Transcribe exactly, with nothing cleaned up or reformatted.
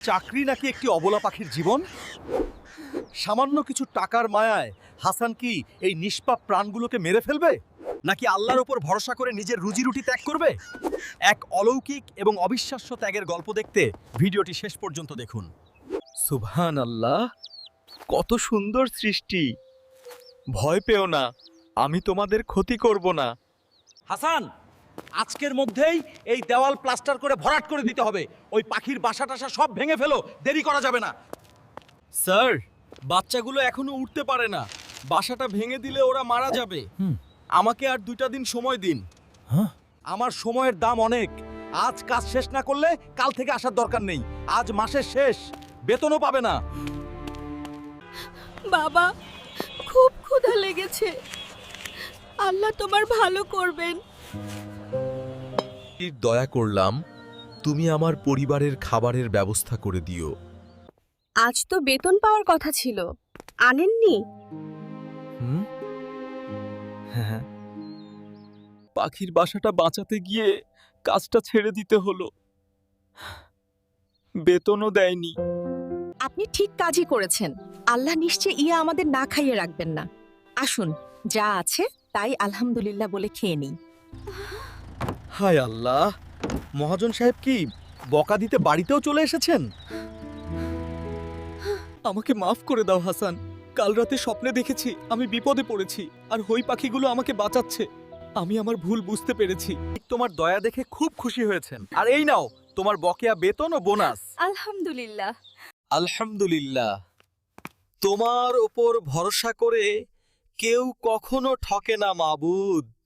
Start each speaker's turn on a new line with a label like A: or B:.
A: চাকরি নাকি একটি অবলা পাখির জীবন? সামান্য কিছু টাকার মায়ায় হাসান কি এই নিষ্পাপ প্রাণগুলোকে মেরে ফেলবে, নাকি আল্লাহর উপর ভরসা করে নিজের রুজি রুটি ত্যাগ করবে? এক অলৌকিক এবং অবিশ্বাস্য ত্যাগের গল্প দেখতে ভিডিওটি শেষ পর্যন্ত দেখুন। সুবহান আল্লাহ, কত সুন্দর সৃষ্টি! ভয় পেও না, আমি তোমাদের ক্ষতি করব না।
B: হাসান, আজকের মধ্যেই এই দেওয়াল প্লাস্টার করে ভরাট করে দিতে হবে। ওই পাখির বাসা টাসা সব ভেঙে ফেলো, দেরি করা যাবে না।
A: স্যার, বাচ্চাগুলো এখনো উঠতে পারে না। বাসাটা ভেঙে দিলে ওরা মারা যাবে। আমাকে আর দুইটা দিন সময় দিন।
B: আমার সময়ের দাম অনেক। আজ কাজ শেষ না করলে কাল থেকে আসার দরকার নেই। আজ মাসের শেষ, বেতনও পাবে না।
C: বাবা, খুব ক্ষুধা লেগেছে। আল্লাহ তোমার ভালো করবেন।
A: দয়া করলাম, তুমি আমার পরিবারের খাবারের ব্যবস্থা করে দিও।
C: আজ তো বেতন পাওয়ার কথা ছিল, আনেননি?
A: হুম, হ্যাঁ, পাখির বাসাটা বাঁচাতে গিয়ে কাজটা ছেড়ে দিতে হলো। বেতনও দেয়নি।
C: আপনি ঠিক কাজই করেছেন। আল্লাহ নিশ্চয়ই ইয়া আমাদের না খাইয়ে রাখবেন না। আসুন, যা আছে তাই আলহামদুলিল্লাহ বলে খেয়ে নিই।
A: হায় আল্লাহ, মহাজন সাহেব কি বকা দিতে বাড়িতেও চলে এসেছেন? আমাকে মাফ করে দাও হাসান। কাল রাতে স্বপ্নে দেখেছি আমি বিপদে পড়েছি আর হই পাখিগুলো আমাকে বাঁচাচ্ছে। আমি আমার ভুল বুঝতে পেরেছি। তোমার দয়া দেখে খুব খুশি হয়েছেন। আর এই নাও তোমার বকেয়া বেতন ও বোনাস।
C: আলহামদুলিল্লাহ।
A: আলহামদুলিল্লাহ। তোমার ওপর ভরসা করে কেউ কখনো ঠকে না মাবুদ।